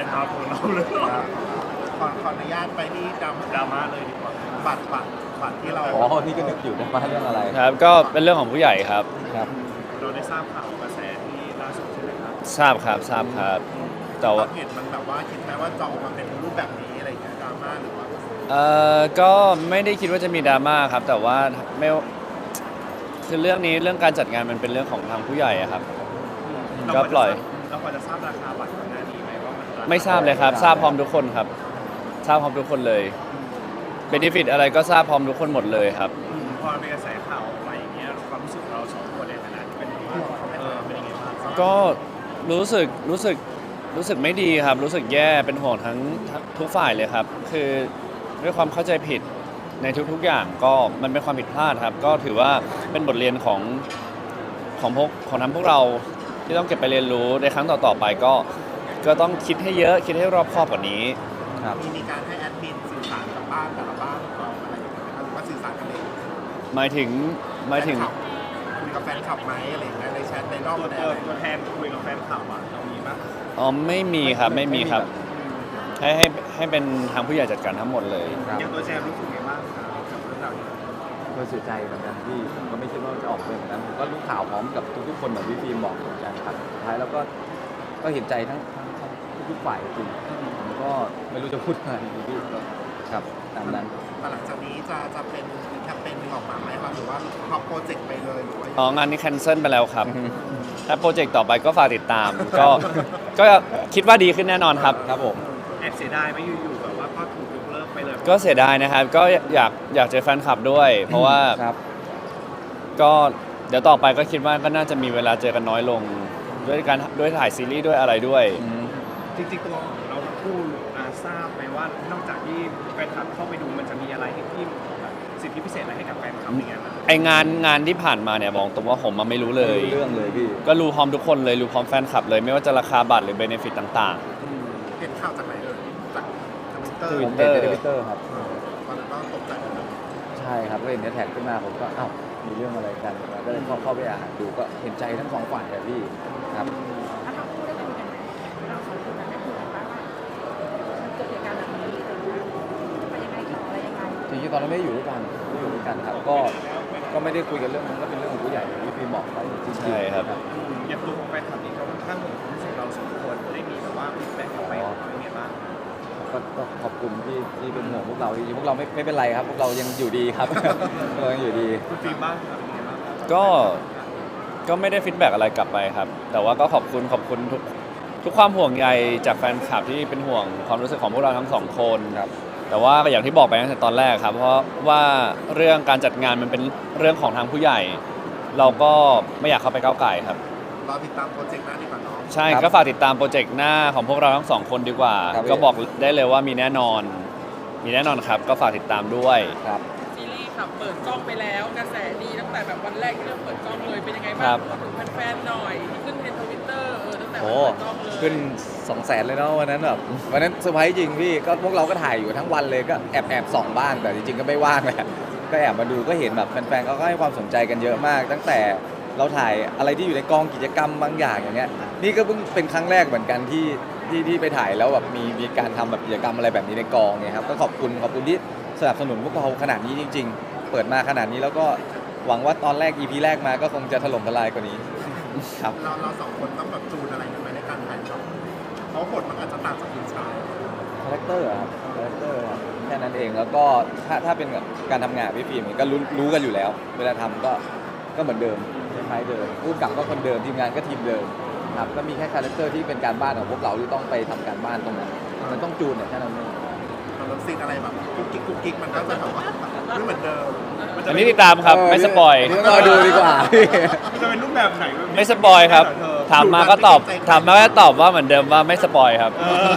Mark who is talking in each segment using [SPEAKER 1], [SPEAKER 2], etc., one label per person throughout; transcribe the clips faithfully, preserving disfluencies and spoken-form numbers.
[SPEAKER 1] ตาของเราเลย
[SPEAKER 2] ขอขออนุญาตไปที่ดราม่า
[SPEAKER 1] ดราม่าเลยดีกว่า
[SPEAKER 2] บัตรบัตรบัตรที่เรา
[SPEAKER 3] อ๋อนี่ก็นึกอยู่นะว่าเรื่องอะไร
[SPEAKER 4] ครับก็เป็นเรื่องของผู้ใหญ่ครับ
[SPEAKER 3] ครับ
[SPEAKER 1] เราได้ทราบข่าวกระแสที่ล่าสุดใช่ไหมครับ
[SPEAKER 4] ทราบครับทราบครับแต่ว่า
[SPEAKER 2] เห็นมันแบบว่าคิดไหมว่าจะออกมาเป็นรูปแบบนี้อะไรอย่างเงี้ยดราม่าหรือว่า
[SPEAKER 4] เอ่อก็ไม่ได้คิดว่าจะมีดราม่าครับแต่ว่าไม่คือเรื่องนี้เรื่องการจัดงานมันเป็นเรื่องของทางผู้ใหญ่อะครับก็ปล่อย
[SPEAKER 1] เราพอจะทราบราคาบัตรก่อนหน้านี้ไหมว่ามัน
[SPEAKER 4] ไม่ทราบเลยครับทราบพร้อมทุกคนครับทราบพร้อมทุกคนเลยเบเนฟิตอะไรก็ทราบพร้อมทุกคนหมดเลยครับ
[SPEAKER 1] พอเป็นกระแสข่าวอะไรอย่างเงี้ยความรู้สึกเราสองคนในฐานะที่เป็นผู้เออเป็นยังไงบ้าง
[SPEAKER 4] ก็รู้สึกรู้สึกรู้สึกไม่ดีครับรู้สึกแย่เป็นห่วงทั้งทุกฝ่ายเลยครับคือด้วยความเข้าใจผิดในทุกๆอย่างก็มันเป็นความผิดพลาดครับก็ถือว่าเป็นบทเรียนของของพวกของทั้งพวกเราที่ต้องเก็บไปเรียนรู้ในครั้งต่อๆไปก็ก็ต้องคิดให้เยอะคิดให้รอบคอบกว่านี้
[SPEAKER 2] ครับมีมีการให้แอดมินสื่อสารกับบ้านแต่ละบ้านของเราอะไรอย่างเงี้ยหรือว่าสื่อสารกันเอง
[SPEAKER 4] หมายถึงหมายถึง
[SPEAKER 2] คุยกับแฟนคลับไหมอะไรอย่างเงี้ยในแชทในรอบ
[SPEAKER 1] ตัวตัวแทนคุยกับแฟนคลับอ่ะเรามีมั้ย
[SPEAKER 4] อ๋อไม่มีครับไม่มีครับให้ให้ให้เป็นทางผู้ใหญ่จัดการทั้งหมดเลย
[SPEAKER 1] อย่างตัวแจมรู้สึกไงบ้างกับเรื่องราวนี้
[SPEAKER 3] ก็เสียใจเหมือนกันที่ผมก็ไม่คิดว่าจะออกเป็นแบบนั้นผมก็รู้ข่าวพร้อมกับทุกๆคนเหมือนพี่ฟิล์มบอกเหมือนกันครับสุดท้ายแล้วก็ก็เห็นใจทั้งทั้งทุกฝ่ายจริงผมก็ไม่รู้จะพูดอะไรพี่ครับตามนั้น
[SPEAKER 2] หลังจากนี้จะจะเป็นแคมเปญนึงออกมาไหมครับหรือว่าพอโปรเจกต์ไปเลยหรือว่า
[SPEAKER 4] อ๋องานนี้แคนเซิลไปแล้วครับถ้าโปรเจกต์ต่อไปก็ฝากติดตามก็ก็คิดว่าดีขึ้นแน่นอนครับ
[SPEAKER 3] ครับผม
[SPEAKER 1] แอบเสียดายไหมอยู่ๆแบบว่าก็ถูกยกเลิกไปเลย
[SPEAKER 4] ก็เสียดายนะครับก็อยากอยากเจอแฟนคลับด้วยเพราะว่าก็เดี๋ยวต่อไปก็คิดว่าก็น่าจะมีเวลาเจอกันน้อยลงด้วยการด้วยถ่ายซีรีส์ด้วยอะไรด้วย
[SPEAKER 1] จริงๆตัวเราคู่ทราบไหมว่านอกจากที่แฟนคลับเข้าไปดูมันจะมีอะไรที่สิทธิพิเศษอะไรให้กับแฟนคลับในงาน
[SPEAKER 4] ไองานงานที่ผ่านมาเนี่ยบอกตรงว่าผมมาไม่รู้เลย
[SPEAKER 3] เรื่องเลยพี่
[SPEAKER 4] ก็รู้พร้อมทุกคนเลยรู้พร้อมแฟนคลับเลยไม่ว่าจะราคาบัตรหรือเบเนฟิตต่าง
[SPEAKER 2] ๆเห็นข่าวจากไหนเลยจากท
[SPEAKER 3] วิตเตอร์ทวิตเตอร์ครับ
[SPEAKER 2] ตอนนั้นก็ตกใจ
[SPEAKER 3] ใช่ครับก็เห็นแท็กขึ้นมาผมก็อ้าวมีเรื่องอะไรกันก็เลยเข้าเข้าไปอ่านดูก็เห็นใจทั้งสองฝ่ายเลยพี่ครับ
[SPEAKER 5] ถ้าเราพูดได้คุยกันไหมเราสองคนได้คุยกันบ้างว่ามันเกิดเหตุการณ์แบบนี้ไปยังไงต่ออะไรยังไง
[SPEAKER 3] จริงๆตอนนั้นไม่ได้อยู่ด้วยกันไม่อยู่ด้วยกันครับก็ก็ไม่ได้คุยกันเรื่องนั้นก็เป็นเรื่องของผู้ใหญ่ที่พี่บอกไปจริงๆ
[SPEAKER 4] ใช่ครับ
[SPEAKER 1] อย่างตัวของแฟนคลับนี่เขาค่อนข้างห่วงความรู้สึกเราสองคนได้มีแบบว่าฟีดแบ็กกลับไปเป็นไงบ้าง
[SPEAKER 3] ก็ขอบคุณที่ที่เป็นห่วงพวกเราจริงๆพวกเราไม่ไม่เป็นไรครับพวกเรายังอยู่ดีครับเรายังอยู่ดี
[SPEAKER 1] คุณฟีบ้างครับ
[SPEAKER 4] ก็ก็ไม่ได้ฟีดแบ็กอะไรกลับไปครับแต่ว่าก็ขอบคุณขอบคุณทุกทุกความห่วงใยจากแฟนคลับที่เป็นห่วงความรู้สึกของพวกเราทั้งสองคนครับแต่ว่าอย่างที่บอกไปตั้งแต่ตอนแรกครับเพราะว่าเรื่องการจัดงานมันเป็นเรื่องของทางผู้ใหญ่เราก็ไม่อยากเข้าไปก้าวไก่ครับ
[SPEAKER 2] รอติดตามโปรเจกต์หน้าดีกว่าน้อง
[SPEAKER 4] ใช่ก็ฝากติดตามโปรเจกต์หน้าของพวกเราทั้งสองคนดีกว่าก็บอกได้เลยว่ามีแน่นอนมีแน่นอนครับก็ฝากติดตามด้วย
[SPEAKER 3] ครับ
[SPEAKER 5] ซีรีส์ครับเปิดกล้องไปแล้วกระแสดีตั้งแต่แบบวันแรกที่เริ่มเปิดกล้องเลยเป็นยังไงบ้างถึงแฟนๆหน่อยที่ขึ้นเทรนด์ทวิตเตอร์เออตั้งแต่วันเปิดกล้องเลย
[SPEAKER 3] ขึ้นสองแสนเลยเนาะวันนั้นแบบวันนั้นเซอร์ไพรส์จริงพี่ก็พวกเราก็ถ่ายอยู่ทั้งวันเลยก็แอบแอบส่องบ้างแต่จริงๆก็ไม่ว่างแหละก็แอบมาดูก็เห็นแบบแฟนๆเขาก็ให้ความสนใจกันเยอะมากตั้งแต่เราถ่ายอะไรที่อยู่ในกองกิจกรรมบางอย่างอย่างเงี้ยนี่ก็เพิ่งเป็นครั้งแรกเหมือนกันที่ที่ที่ไปถ่ายแล้วแบบมีมีการทำแบบกิจกรรมอะไรแบบนี้ในกองเนี่ยครับก็ขอบคุณขอบคุณที่สนับสนุนพวกเราขนาดนี้จริงๆเปิดมาขนาดนี้แล้วก็หวังว่าตอนแรก อี พี แรกมาก็คงจะถล่มทลายกว่านี้ครับ
[SPEAKER 2] เราเราสองคนต้องแบบจูนอะไรกันไหมในการถ่ายทำเพราะบทมันอาจจะต่างจากคุณชาย
[SPEAKER 3] คาแรคเตอร์ครับคาแรคเตอร์แค่นั้นเองแล้วก็ถ้าถ้าเป็นการทำงานพี่ฟิล์มก็รู้รู้กันอยู่แล้วเวลาทำก็ก็เหมือนเดิมคล้ายๆเดิมพูดกับก็คนเดิมทีมงานก็ทีมเดิมครับก็มีแค่คาแรคเตอร์ที่เป็นการบ้านของพวกเราที่ต้องไปทำการบ้านตรงนั้นมันต้องจูนเนี่ยแค่นั้นเอง
[SPEAKER 2] เราซีนอะไรแบบกุ๊กกิ๊กกุ๊กกิ๊กมันก็จะแบบว่าไม่เหมือนเดิม
[SPEAKER 4] อันนี้ติดตามครับไม่สปอย
[SPEAKER 3] รอดูดีกว่า
[SPEAKER 1] จะเป็นรูปแบบไหน
[SPEAKER 4] ไม่สปอยครับถามมาก็ตอบถามมาก็ตอบว่าเหมือนเดิมว่าไม่สปอยครับ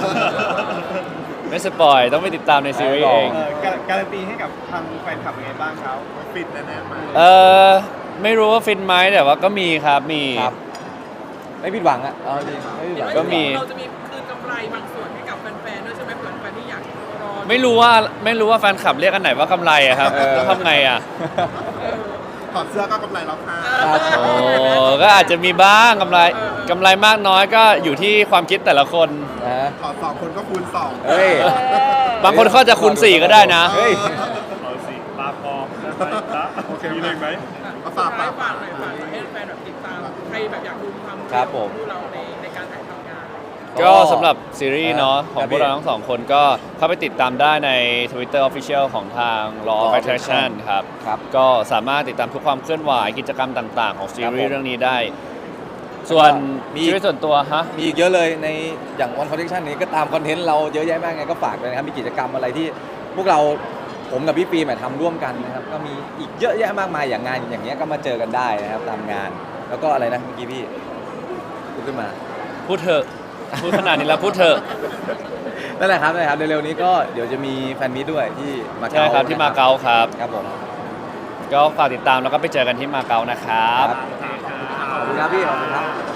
[SPEAKER 4] ไม่สปอยต้องไปติดตามในซีรีส์เอง
[SPEAKER 1] การันตีให้กับทางแฟนคลับยังไงบ้างครับ
[SPEAKER 2] ฟินแน่ๆมา
[SPEAKER 4] เออไม่รู้ว่าฟินไหมแต่ว่าก็มีครับมี
[SPEAKER 3] ไม่ผิดหวังอ่ะเอาจริงไม่ผิดหวัง
[SPEAKER 4] ก็มี
[SPEAKER 5] เราจะมีคืนกำไรบางส่วนให้กับแฟนๆด้วยใช่ไหมเผื่อแฟนที่อยากรอ
[SPEAKER 4] ไม่รู้ว่าไม่รู้ว่าแฟนคลับเรียกกันไหนว่ากำไรอะครับต้องทำไงอะ
[SPEAKER 2] ถอดเสื้อก็กำไรแล้วค่ะ
[SPEAKER 4] โอ้ก็อาจจะมีบ้างกำไรกำไรมากน้อยก็อยู่ที่ความคิดแต่ละคน
[SPEAKER 3] คฮะ
[SPEAKER 2] ขอสองคนก็คูณสอง
[SPEAKER 3] เฮ้ย
[SPEAKER 4] บางคนเขาจะคูณสี่ก็ได้นะ
[SPEAKER 3] เฮ้ย
[SPEAKER 1] เอาสิปาปอได้ไหมจ๊ะโอเคมีเลยไหม
[SPEAKER 2] เอาฝาก
[SPEAKER 5] ฝา
[SPEAKER 2] ฝาก ก
[SPEAKER 5] ฝากหน่อยฝากหน่อยให้แฟนแบบติดตามใครแบบอยากดูความ
[SPEAKER 3] ครับผม
[SPEAKER 5] ดูเราในในการถ่ายทำงาน
[SPEAKER 4] ก็สำหรับซีรีส์เนาะของ
[SPEAKER 3] ครับ
[SPEAKER 4] พวกเราทั้งสองคนก็เข้าไปติดตามได้ใน Twitter Official ของทาง Law of Attraction ครับ
[SPEAKER 3] ครับ
[SPEAKER 4] ก็สามารถติดตามทุกความเคลื่อนไหวกิจกรรมต่างๆ ของซีรี
[SPEAKER 3] ครับผม
[SPEAKER 4] ส์เรื่องนี้ได้ ส่วน
[SPEAKER 3] มี
[SPEAKER 4] ชีวิตส่วนตัวฮะ
[SPEAKER 3] มีอีกเยอะเลยในอย่างวันคอนเทนต์นี้ก็ตามคอนเทนต์เราเยอะแยะมากไงก็ฝากเลยนะครับมีกิจกรรมอะไรที่พวกเราผมกับพี่ปีมทำร่วมกันนะครับก็มีอีกเยอะแยะมากมายอย่างงานอย่างเงี้ยก็มาเจอกันได้นะครับตามงาน แล้วก็อะไรนะเมื่อกี้พี่พูดขึ้นมา
[SPEAKER 4] พูดเถอะ พูดขนาดนี้แล้วพูดเถอะ
[SPEAKER 3] นั่นแหละครับนั่นแหละครับเร็วๆนี้ก็เดี๋ยวจะมีแฟนมีตด้วยที่มาเก๊า
[SPEAKER 4] ใช่ครับที่มาเก๊าครับ
[SPEAKER 3] ครับผม
[SPEAKER 4] ก็ฝากติดตามแล้วก็ไปเจอกันที่มาเก๊านะครับ
[SPEAKER 3] ขอบคุณครับพี่ขอบคุณครับ